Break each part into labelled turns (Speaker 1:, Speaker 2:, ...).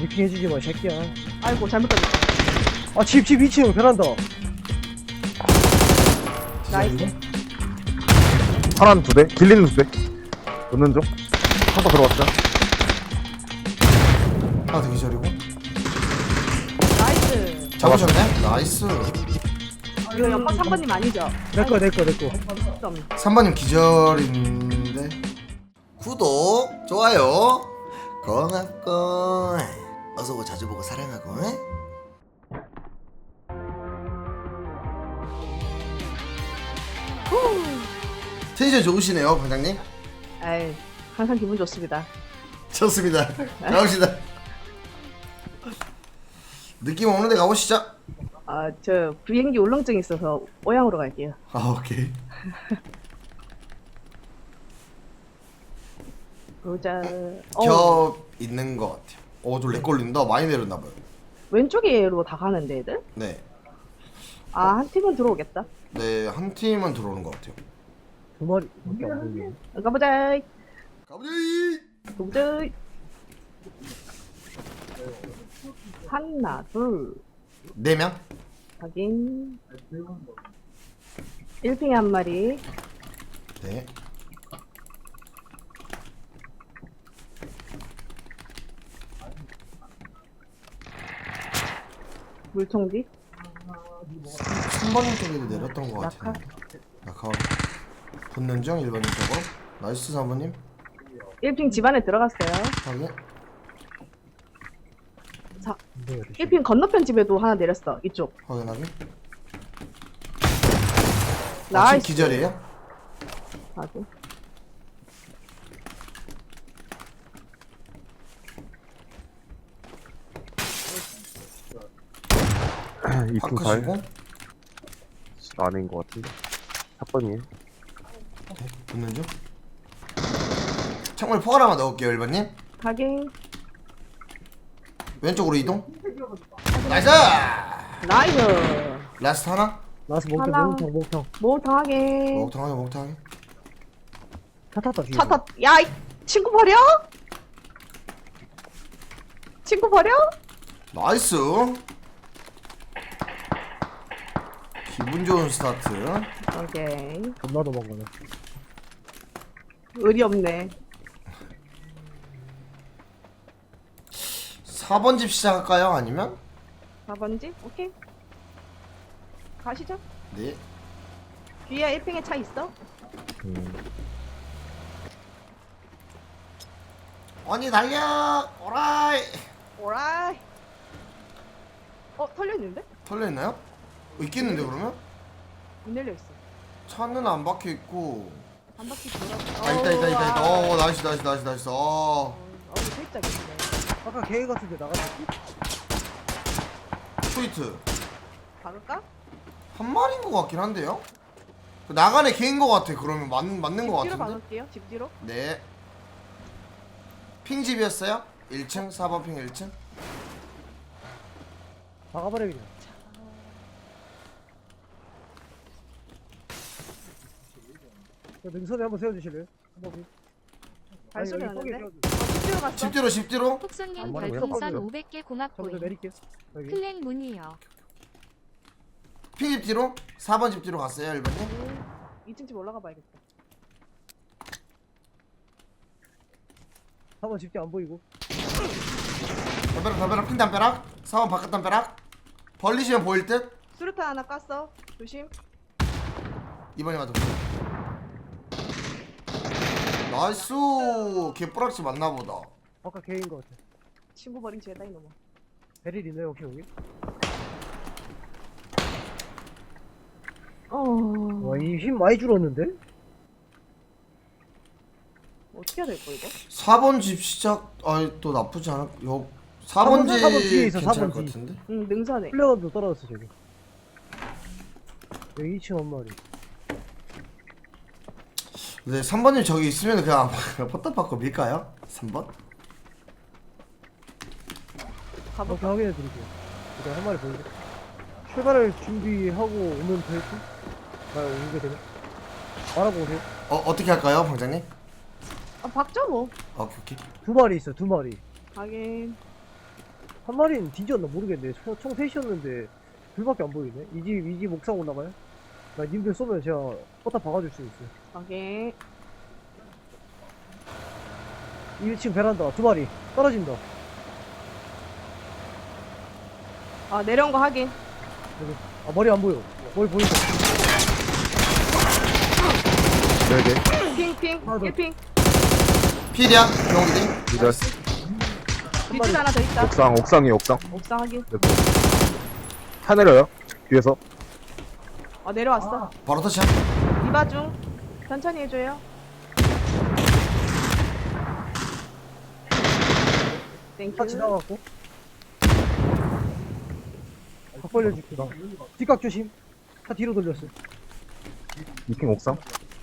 Speaker 1: 브리핑 해주지 마, 이 새끼야.
Speaker 2: 아이고 잘못 던졌다.
Speaker 1: 아, 집 2층 베란다.
Speaker 2: 나이스.
Speaker 3: 하나는 2대, 길리는 2대. 넣는 중. 한번 들어왔죠.
Speaker 4: 하나 더 기절이고.
Speaker 2: 나이스.
Speaker 4: 잡으셨네? 나이스.
Speaker 2: 이거 연막 3번님 아니죠?
Speaker 1: 내꺼.
Speaker 4: 3번님 기절인데. 구독, 좋아요, 고맙고 어서오고 자주 보고 사랑하고. 텐션 좋으시네요, 방장님.
Speaker 2: 에이, 항상 기분 좋습니다.
Speaker 4: 좋습니다. 가봅시다. 느낌 오는데 가보시죠.
Speaker 2: 아, 저 비행기 울렁증 있어서 오양으로 갈게요.
Speaker 4: 아, 오케이.
Speaker 2: 보자.
Speaker 4: 겹 있는 것 같아요. 저렉 걸린다. 많이 내렸나봐요.
Speaker 2: 왼쪽으로 다 가는데 애들?
Speaker 4: 네.
Speaker 2: 아, 한 팀은 들어오겠다.
Speaker 4: 네, 한 팀은 들어오는 것 같아요.
Speaker 1: 2마리밖에 안 보이네.
Speaker 2: 가보자.
Speaker 4: 가보자.
Speaker 2: 가보자. 하나, 둘,
Speaker 4: 4명?
Speaker 2: 확인. 1핑에 한 마리.
Speaker 4: 네.
Speaker 2: 물통 뒤.
Speaker 4: 3번님 쪽에도 내렸던 것
Speaker 2: 낙하?
Speaker 4: 같은데. 낙하. 붙는 중 1번님 쪽으로. 나이스 3번님.
Speaker 2: 1핑 집 안에 들어갔어요.
Speaker 4: 확인.
Speaker 2: 자,
Speaker 1: 네,
Speaker 2: 1핑 건너편 집에도 하나 내렸어. 이쪽.
Speaker 4: 확인하기.
Speaker 2: 나이스.
Speaker 4: 기절이에요?
Speaker 2: 하고.
Speaker 3: 이층 발.
Speaker 4: 파크시고.
Speaker 3: 아닌 것 같은데. 4번이에요.
Speaker 4: 네, 붙는 중. 창문에 포괄 하나 넣을게요 1번님.
Speaker 2: 확인.
Speaker 4: 왼쪽으로 이동. 나이스!
Speaker 2: 나이스.
Speaker 4: 라스트 하나.
Speaker 1: 나와서
Speaker 2: 하나.
Speaker 1: 목탕.
Speaker 2: 목탕 확인.
Speaker 4: 목탕하게 목탕하게.
Speaker 1: 차 탔다, 뒤에.
Speaker 2: 차 탔. 야, 이 친구 버려? 친구 버려?
Speaker 4: 나이스. 기분 좋은 스타트.
Speaker 2: 오케이.
Speaker 1: 겁나 도망가네.
Speaker 2: 의리 없네.
Speaker 4: 4번 집 시작할까요? 아니면?
Speaker 2: 4번지? 오케이. 가시죠.
Speaker 4: 네.
Speaker 2: 뒤에 1핑에 차 있어?
Speaker 4: 언니 달려! 오라이!
Speaker 2: 오라이. 털려있는데?
Speaker 4: 털려있나요? 있겠는데 그러면?
Speaker 2: 문 열려있어.
Speaker 4: 차는 안 박혀있고.
Speaker 2: 한 바퀴 돌아.
Speaker 4: 있다. 나이스.
Speaker 2: 살짝 있네.
Speaker 1: 아까 개인 같은데 나갔지?
Speaker 4: 트위트.
Speaker 2: 박을까?
Speaker 4: 한 마리인 것 같긴 한데요? 나간에 개인 것 같아. 그러면 맞는 것
Speaker 2: 집 뒤로
Speaker 4: 같은데?
Speaker 2: 박을게요. 집 뒤로.
Speaker 4: 네. 핑집이었어요? 1층? 4번 핑 1층?
Speaker 1: 박아버려, 그냥. 저 능선에 한번 세워주실래요? 한 번씩.
Speaker 2: 발소리
Speaker 1: 아니, 여기
Speaker 2: 나는데?
Speaker 1: 뽀개
Speaker 2: 집 뒤로 갔어.
Speaker 4: 집 뒤로?
Speaker 5: 톡송님
Speaker 1: 안 말하고
Speaker 5: 별풍선
Speaker 1: 그냥
Speaker 5: 500개
Speaker 1: 저부터
Speaker 5: 고맙고요.
Speaker 1: 내릴게요. 여기.
Speaker 5: 클랜 문이요.
Speaker 4: 핑집 뒤로? 4번 집 뒤로 갔어요 1번님?
Speaker 2: 2층 집 올라가 봐야겠다.
Speaker 1: 4번 집게 안 보이고.
Speaker 4: 담벼락 핑 담벼락 4번 바깥 담벼락 벌리시면 보일 듯?
Speaker 2: 수류탄 하나 깠어. 조심.
Speaker 4: 2번이 맞아 나이스 개뿌락지 맞나보다.
Speaker 1: 아까 개인 것 같아.
Speaker 2: 친구 버린 죄다 이놈아.
Speaker 1: 베릴 있나요, 혹시 여기? 와, 이 힘 많이 줄었는데?
Speaker 2: 어떻게 해야 될거 이거?
Speaker 4: 4번 집 시작 또 나쁘지 않아. 4번 집
Speaker 1: 4번 뒤에 있어,
Speaker 4: 괜찮을
Speaker 1: 4번
Speaker 4: 것
Speaker 1: 뒤.
Speaker 4: 같은데?
Speaker 2: 응, 능선에.
Speaker 1: 플레어도 떨어졌어, 저기. 여기 2층 한 마리.
Speaker 4: 네 3번님 저기 있으면 그냥 포탑 받고 밀까요? 3번?
Speaker 1: 이렇게
Speaker 2: 가볼까?
Speaker 1: 확인해 드릴게요. 일단 한 마리 보이게. 출발을 준비하고 오면 될 듯? 오게 되면? 말하고 오세요.
Speaker 4: 어떻게 할까요 방장님?
Speaker 2: 박죠 뭐.
Speaker 4: 오케이
Speaker 1: 2마리 있어, 2마리.
Speaker 2: 하긴.
Speaker 1: 한 마리는 뒤졌나 모르겠네. 총 셋이었는데 둘밖에 안 보이네. 이 집 옥상 오나봐요? 나 님들 쏘면 제가 포탑 박아줄 수 있어요.
Speaker 2: 오케이.
Speaker 1: 1층 베란다 두 마리 떨어진다.
Speaker 2: 아, 내려온 거 확인.
Speaker 1: 여기. 아 머리 안 보여. 머리 보인다.
Speaker 3: 네개
Speaker 2: 핑,
Speaker 1: 하나 더.
Speaker 2: 1핑.
Speaker 4: 필이야 병기지.
Speaker 3: 기절.
Speaker 2: 뒷줄 하나 더 있다.
Speaker 3: 옥상이에요, 옥상.
Speaker 2: 옥상 확인.
Speaker 3: 네. 차 내려요. 뒤에서.
Speaker 2: 아, 내려왔어.
Speaker 4: 바로 터치야.
Speaker 2: 이바 중. 천천히 해줘요.
Speaker 1: 차
Speaker 2: 땡큐.
Speaker 1: 지나갔고. 각 벌려줄게. 뒷각 조심. 차 뒤로 돌렸어.
Speaker 3: 2층 옥상.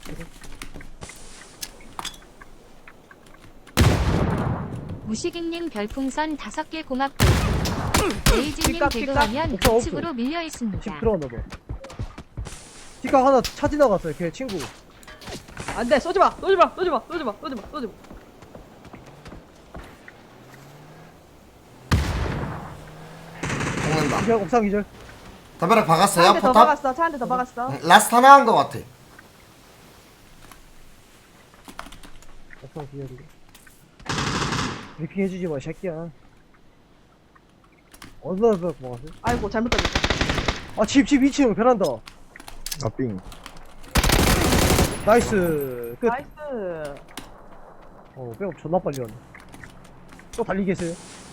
Speaker 5: 무식익님 별풍선 5개 고맙고 레이즈님
Speaker 2: 뒷각,
Speaker 5: 개그하면
Speaker 1: 뒷각.
Speaker 5: 우측으로 밀려
Speaker 1: 집
Speaker 5: 있습니다.
Speaker 1: 들어갔나봐. 뒷각 하나 차 지나갔어요. 걔 친구.
Speaker 2: 안 돼, 쏘지 마! 쏘지 마! 쏘지 마! 쏘지 마! 쏘지 마! 쏘지 마!
Speaker 4: 죽는다.
Speaker 1: 기절 옥상 기절.
Speaker 4: 담벼락
Speaker 2: 차
Speaker 4: 박았어요
Speaker 2: 한 대 더
Speaker 4: 포탑.
Speaker 2: 박았어. 차 한 대 더 박았어.
Speaker 4: 라스트 하나 한 거 같아.
Speaker 1: 옥상 기절이고. 리핑 해주지 마, 이 새끼야. 어디다 먹었어?
Speaker 2: 아이고, 잘못 던졌다.
Speaker 1: 아, 집 2층 베란다.
Speaker 3: 아, 삥.
Speaker 1: 나이스. 끝.
Speaker 2: 나이스.
Speaker 1: 백업 존나 빨리 왔네. 또 달리겠어요?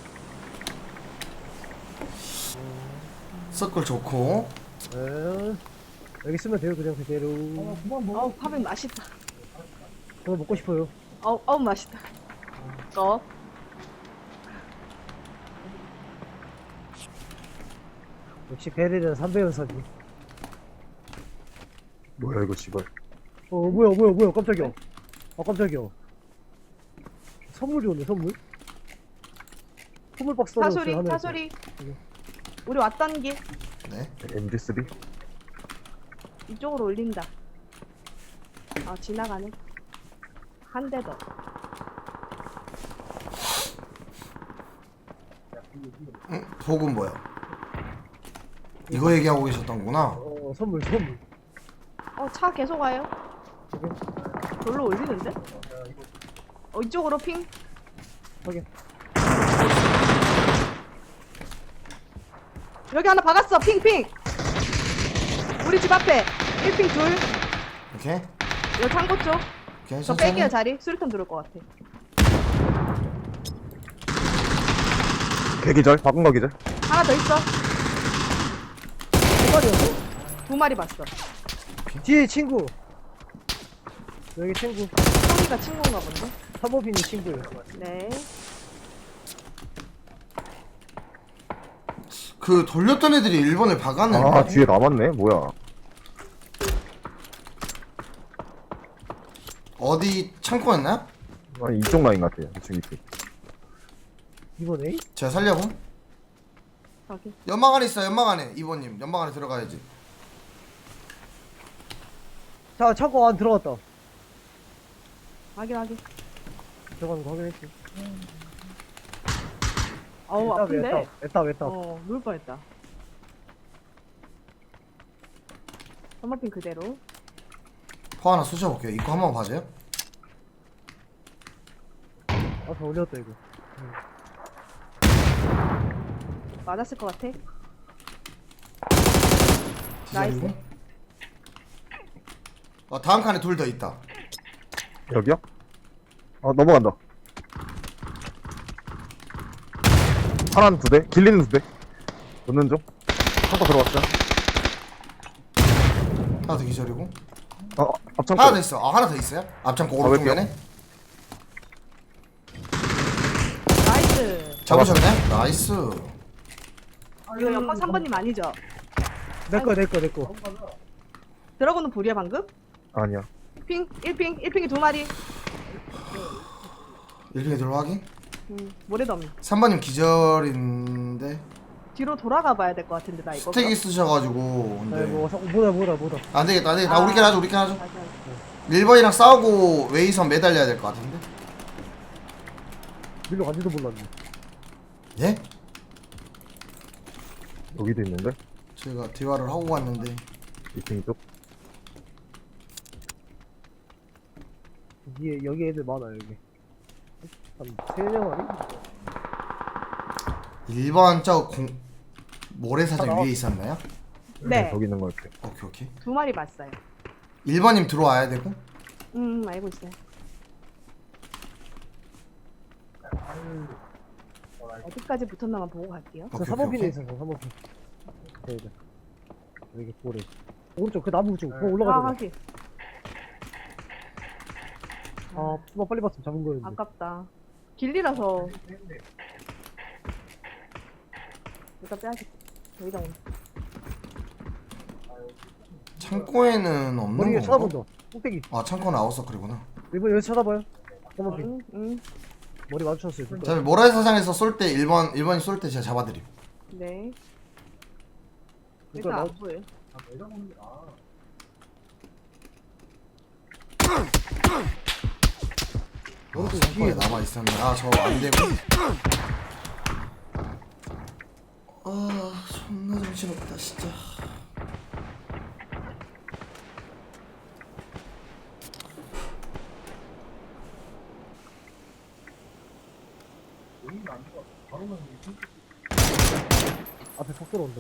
Speaker 4: 서클 좋고.
Speaker 1: 에, 여기 쓰면 돼요, 그냥 그대로.
Speaker 2: 어우, 파빙 맛있다.
Speaker 1: 저도 먹고 싶어요.
Speaker 2: 어우, 맛있다.
Speaker 1: 역시 베릴은 3배 연산이.
Speaker 3: 뭐야, 이거 씨발.
Speaker 1: 뭐야, 깜짝이야. 아, 깜짝이야. 선물이 오네, 선물. 선물 박스 떨어졌어요,
Speaker 2: 사소리,
Speaker 1: 하늘에서.
Speaker 2: 사소리. 우리 왔던 길
Speaker 4: 네.
Speaker 3: MG3.
Speaker 2: 이쪽으로 올린다. 아, 지나가네. 한 대 더.
Speaker 4: 복은 뭐야? 이거 얘기하고 계셨던구나.
Speaker 1: 선물.
Speaker 2: 차 계속 와요. 별로 올리는데? 이쪽으로 핑.
Speaker 1: 확인.
Speaker 2: 여기 하나 박았어. 핑. 우리 집 앞에 1핑 둘.
Speaker 4: 오케이.
Speaker 2: 여기 창고 쪽.
Speaker 4: 오케이.
Speaker 2: 저
Speaker 4: 천천히.
Speaker 2: 뺄게요 자리. 수류탄 들어올 것 같아.
Speaker 3: 개기절. 박은 거 기절.
Speaker 2: 하나 더 있어.
Speaker 1: 두 마리였어?
Speaker 2: 2마리 봤어.
Speaker 1: 뒤에 친구. 여기 친구.
Speaker 2: 형이가 친구인가 본데?
Speaker 1: 사모빈이 친구예요.
Speaker 2: 네.
Speaker 4: 그 돌렸던 애들이 1번을 박았네.
Speaker 3: 아, 뒤에 남았네. 뭐야.
Speaker 4: 어디 창고였나요?
Speaker 3: 아니, 이쪽 라인 같아요. 2층, 2층.
Speaker 1: 이번에?
Speaker 4: 제가 살려고.
Speaker 2: 저기.
Speaker 4: 연막 안에 있어. 연막 안에. 2번님. 연막 안에 들어가야지.
Speaker 1: 자, 창고 안 들어갔다.
Speaker 2: 확인.
Speaker 1: 들어가는 거 확인했지.
Speaker 2: 어우, 아픈데?
Speaker 1: 애따.
Speaker 2: 누울 뻔했다. 선머핀 그대로.
Speaker 4: 포 하나 쑤셔볼게요. 입구 한번 봐줘요.
Speaker 1: 더 올렸다, 이거.
Speaker 2: 맞았을 것 같아.
Speaker 4: 기다리고.
Speaker 2: 나이스.
Speaker 4: 다음 칸에 둘 더 있다.
Speaker 3: 여기요? 넘어간다. 하나는 2대. 길리는 2대. 넣는 중. 한거 들어갔어요.
Speaker 4: 하나 더 기절이고.
Speaker 3: 앞창고.
Speaker 4: 하나 더 있어. 하나 더 있어요? 앞창고 오른쪽
Speaker 3: 왜
Speaker 4: 면에.
Speaker 2: 나이스.
Speaker 4: 잡으셨네? 나이스.
Speaker 2: 이거 연막 3번님 아니죠?
Speaker 1: 내 거.
Speaker 2: 들어고는 불이야 방금?
Speaker 3: 아니야.
Speaker 2: 1핑이 2마리.
Speaker 4: 1핑에 들어 확인.
Speaker 2: 모래도 없네.
Speaker 4: 3번님 기절인데
Speaker 2: 뒤로 돌아가 봐야 될 것 같은데 나 이거.
Speaker 4: 스택이 쓰셔가지고.
Speaker 1: 네,
Speaker 4: 근데
Speaker 1: 뭐다.
Speaker 4: 안 되겠다. 다 우리끼리 하자.
Speaker 2: 다시.
Speaker 4: 1번이랑 싸우고 웨이선 매달려야 될 것 같은데.
Speaker 1: 밀러 간지도 몰랐네.
Speaker 4: 예?
Speaker 3: 여기도 있는데?
Speaker 4: 제가 대화를 하고 갔는데
Speaker 3: 2층 쪽?
Speaker 1: 여기 애들 많아 여기. 한 3명아리?
Speaker 4: 1번 저 모래사장 위에 있었나요?
Speaker 2: 네.
Speaker 3: 저기 있는 거 같아.
Speaker 4: 오케이 오케이.
Speaker 2: 2마리 봤어요.
Speaker 4: 1번님 들어와야 되고.
Speaker 2: 알고 있어요. 어디까지 붙었나만 보고 갈게요.
Speaker 1: 저
Speaker 4: 오케이,
Speaker 1: 3번
Speaker 4: 오케이,
Speaker 1: 핀에
Speaker 4: 오케이.
Speaker 1: 있어. 3번 핀. 네. 여기 고래. 오른쪽 그 나무 쪽. 그거
Speaker 2: 아,
Speaker 1: 올라가자.
Speaker 2: 하기.
Speaker 1: 아, 수박 빨리 봤으면 잡은 거였는데.
Speaker 2: 아깝다. 길리라서. 일단 빼야겠다. 여기다 오네.
Speaker 4: 창고에는 없는
Speaker 1: 머리 위에
Speaker 4: 건가?
Speaker 1: 쳐다본다. 꼭대기.
Speaker 4: 아 창고는 아웃서클이구나.
Speaker 1: 이번 여기 쳐다봐요. 3번 핀.
Speaker 2: 응.
Speaker 1: 머리 마주쳤어요. 둘 다.
Speaker 4: 자 모래사장에서 쏠 때 1번이 쏠 때 제가 잡아드림.
Speaker 2: 네.
Speaker 1: 이거
Speaker 2: 일단 안
Speaker 1: 나-
Speaker 2: 보여요.
Speaker 4: 아, 창고에 남아 있었네. 아 저 안 되고. 아 존나 정신없다 진짜.
Speaker 1: 앞에 폭 들어온다.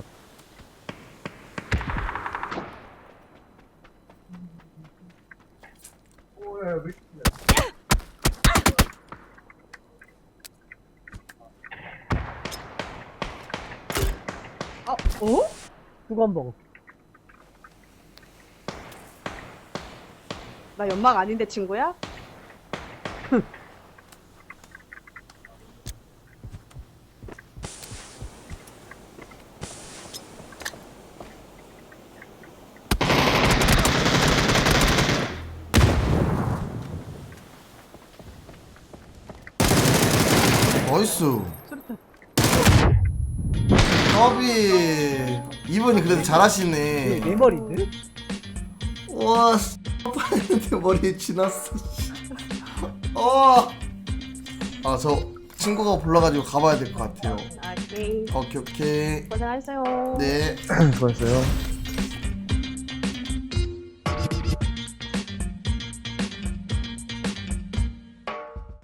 Speaker 2: 어?
Speaker 1: 후가 한 방.
Speaker 2: 나 연막 아닌데 친구야?
Speaker 4: 나이스.
Speaker 2: 수류탄.
Speaker 4: 더비 이분이 그래도 잘하시네.
Speaker 1: 네 마리인데?
Speaker 4: 와 내 머리에 지났어. 아저 친구가 불러가지고 가봐야 될 것 같아요.
Speaker 2: 아, 네.
Speaker 4: 오케이 오케이.
Speaker 2: 고생하셨어요.
Speaker 4: 네.
Speaker 3: 수고했어요.